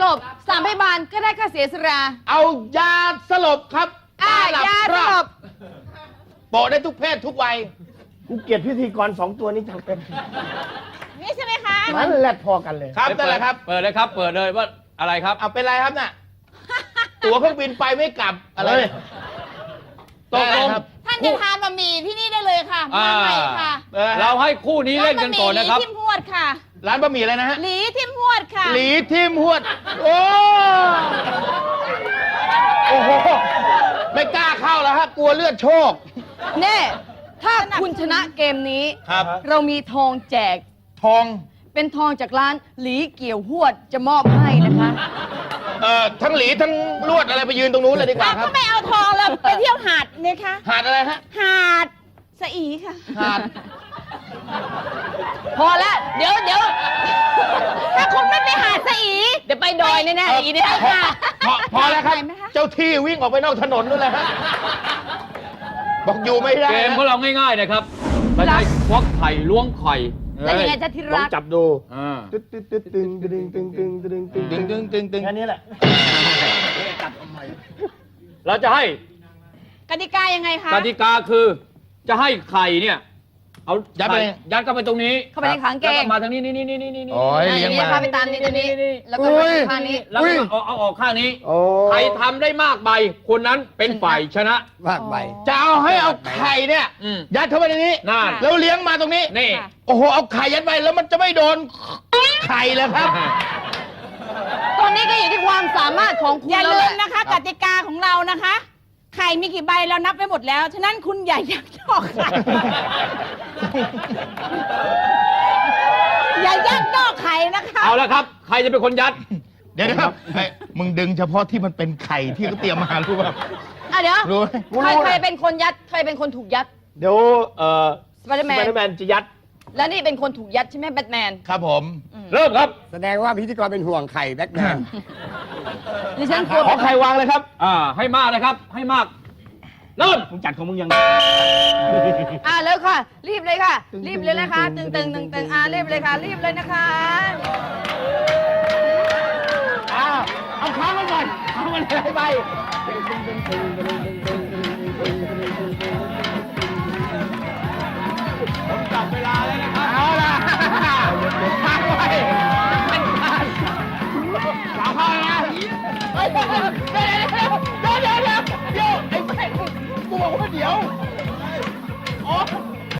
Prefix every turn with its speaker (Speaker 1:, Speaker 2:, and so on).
Speaker 1: ลบ3พยาบาลก็ได้ค่าเสียสละ
Speaker 2: เอายาสลบครับ
Speaker 1: ยาสลบ
Speaker 2: โปะได้ทุกเพศทุกวัย
Speaker 3: กูเกลียดพิธีกร2 ตัวนี้จังเป็น
Speaker 1: นี่ใช่ไหมคะ
Speaker 3: มันแรดพอกันเลย
Speaker 2: ครับนั่นแหละครับ
Speaker 4: เปิดเลยครับเปิดเลยว่าอะไรครับ
Speaker 2: เอาเป็นไรครับน่ะตั๋วเครื่องบินไปไม่กลับอะไร
Speaker 4: ตกลง
Speaker 1: ท่านจะทานบะหมี่ที่นี่ได้เลยค่ะมาใหม่ค่ะ
Speaker 4: เราให้คู่นี้เล่นกันก่อนนะครับ
Speaker 1: หลีทิมหวดค่ะ
Speaker 2: ร้านบะหมี่อะไรนะฮะ
Speaker 1: หลีทิมหวดค่ะ
Speaker 2: หลีทิมหวดโอ้โหไม่กล้าเข้าแล้วฮะกลัวเลือดโชค
Speaker 1: เน่ถ้าคุณชนะเกมนี้
Speaker 2: ครับ
Speaker 1: เรามีทองแจก
Speaker 2: ทอง
Speaker 1: เป็นทองจากร้านหลีเกี่ยวหวดจะมอบให้นะคะ
Speaker 2: ทั้งหลีทั้งลวดอะไรไปยืนตรงนู้นเลยดีกว่าครับ
Speaker 1: ก็ไม่เอาทองแล้วไปเที่ยวหาดเนี่ยคะ
Speaker 2: หาดอะไรฮะ
Speaker 1: หาดสะอีค่ะ
Speaker 2: หาด
Speaker 1: พอแล้วเดี๋ยวถ้าคุณไม่ไปหาดสะอีเดี๋ยวไปดอยแน่ๆอีเนี่ยค่ะ
Speaker 2: พอแล้วครับเจ้าที่วิ่งออกไปนอกถนนนู่นเลยฮะบอกอยู่ไม่ได้
Speaker 4: เกมของเราง่ายๆนะครับเราใช้ควักไข่ล้วงไข่
Speaker 1: แล้วยังไงจะที่รัก
Speaker 3: จับดู
Speaker 2: ตึ๊ดตึ๊ดตึ๊ดตึงตึงตึงตึงตึงตึงตึงตึงตึงตึง
Speaker 3: แค่นี้แหละ
Speaker 4: เราจะให้
Speaker 1: กติกายังไงคะ
Speaker 4: กติกาคือจะให้ไข่เนี่ยเอายัดเข้าไปตรงนี้
Speaker 1: เข้าไปในขังเกง
Speaker 4: มาทางนี้นี่
Speaker 2: โอ้ยเลี้ยงมา
Speaker 1: ไปตามนี้ตัวนี้แล้วก็ข้างนี้
Speaker 4: แล้วเอาออกข้างนี้ใครทำได้มากใบคนนั้นเป็นฝ่ายชนะ
Speaker 3: มากใบ
Speaker 2: จะเอาให้เอาไข่เนี่ยยัดเข้าไปในนี้แล้วเลี้ยงมาตรงนี้
Speaker 4: นี่
Speaker 2: โอ้โหเอาไข่ยัดไปแล้วมันจะไม่โดนไข่เลยครับ
Speaker 1: ตอนนี้ก็อยู่ที่ความสามารถของคุณ
Speaker 5: อย่าลืมนะคะกติกาของเรานะคะไข่มีกี่ใบเรานับไปหมดแล้วฉะนั้นคุณอย่ายักยอกไข่อย่ายักยอกไข่นะคะ
Speaker 4: เอาละครับใครจะเป็นคนยัด
Speaker 2: เดี๋ยวนะครับมึงดึงเฉพาะที่มันเป็นไข่ที่เขาเตรียมมารู้ป่ะ
Speaker 1: เดี๋ยวใครเป็นคนยัดใครเป็นคนถูกยัด
Speaker 3: เดี๋ยว
Speaker 1: สไปเดอร์แมน
Speaker 3: จะยัด
Speaker 1: แล้วนี่เป็นคนถูกยัดใช่ไหมแบทแมน
Speaker 2: ครับผม
Speaker 4: เริ่มครับ
Speaker 3: แสดงว่าพิธีกรเป็นห่วงไข่แบทแมน
Speaker 1: ดิฉันกลัว
Speaker 2: ขอไข่วางเลยครับ
Speaker 4: ให้มากเลยครับให้มากเริ่ม
Speaker 3: มึงจัดของมึงยัง
Speaker 1: แล้วค่ะรีบเลยค่ะรีบเลยนะคะตึงรีบเลยค่ะรีบเลยนะคะ
Speaker 3: เอาค้างไว้ก่อนเอามันเลยไป